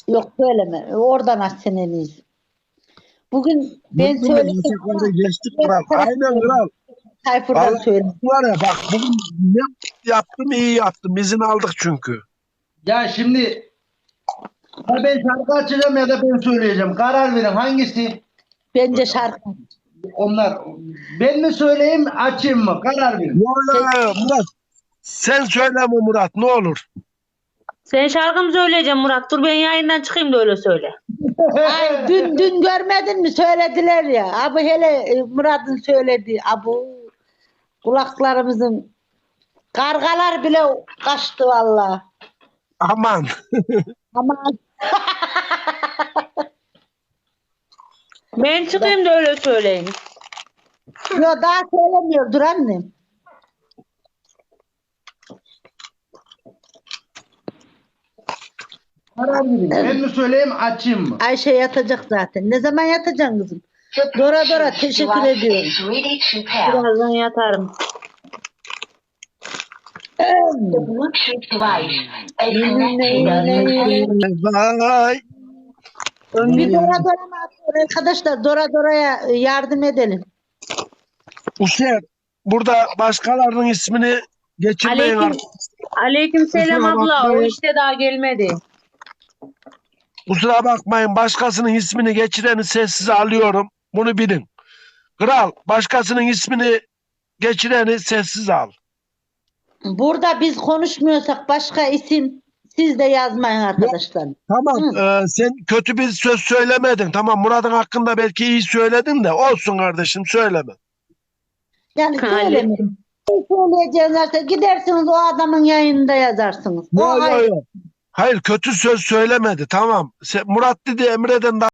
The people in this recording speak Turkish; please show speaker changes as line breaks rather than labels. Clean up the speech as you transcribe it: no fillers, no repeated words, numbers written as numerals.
Yok söyleme. Oradan aç sen en iyisi. Bugün ben
Bugün
söyledim ama
yasakları geçtik kral. Aynen kral.
Tayfur'dan
Vallahi
söyle.
var ya bak bugün ne yaptım iyi yaptım. İzin aldık çünkü.
Ya şimdi ya ben şarkı açacağım ya da ben söyleyeceğim. Karar verin hangisi?
Bence şarkı.
Onlar ben mi söyleyeyim açayım mı? Karar verin.
Vallahi Murat sen söyleme Murat ne olur.
Sen şarkımı söyleyeceğim Murat. Dur ben yayından çıkayım da öyle söyle.
Ay dün görmedin mi? Söylediler ya. Abi hele Murat'ın söylediği. Abu kulaklarımızın kargalar bile kaçtı valla.
Aman.
Ama
Ben çıkayım da öyle söyleyin.
yo, daha söylemiyor. Dur annem.
Karar verin. Ben mi söyleyeyim açayım mı?
Ayşe yatacak zaten. Ne zaman yatacaksın kızım? Dora teşekkür ediyorum.
Birazdan yatarım.
Vay.
Bir Dora mı atıyor arkadaşlar? Dora'ya yardım edelim.
Uşer burada başkalarının ismini geçirmeyin
Aleyküm,
artık.
aleyküm selam
Kusura
abla. O
bakmayın.
işte daha gelmedi.
Kusura bakmayın başkasının ismini geçireni sessize alıyorum. Bunu bilin. Kral başkasının ismini geçireni sessiz al.
Burada biz konuşmuyorsak başka isim siz de yazmayın arkadaşlar.
Tamam sen kötü bir söz söylemedin. Tamam Murat'ın hakkında belki iyi söyledin de olsun kardeşim söyleme.
Yani
Aleyküm.
söylemeyin. Söyleyeceğiniz varsa gidersiniz o adamın yayınında yazarsınız. O
Yo, yo,
ayrı.
yo. Hayır kötü söz söylemedi tamam. Murat dedi Emre'den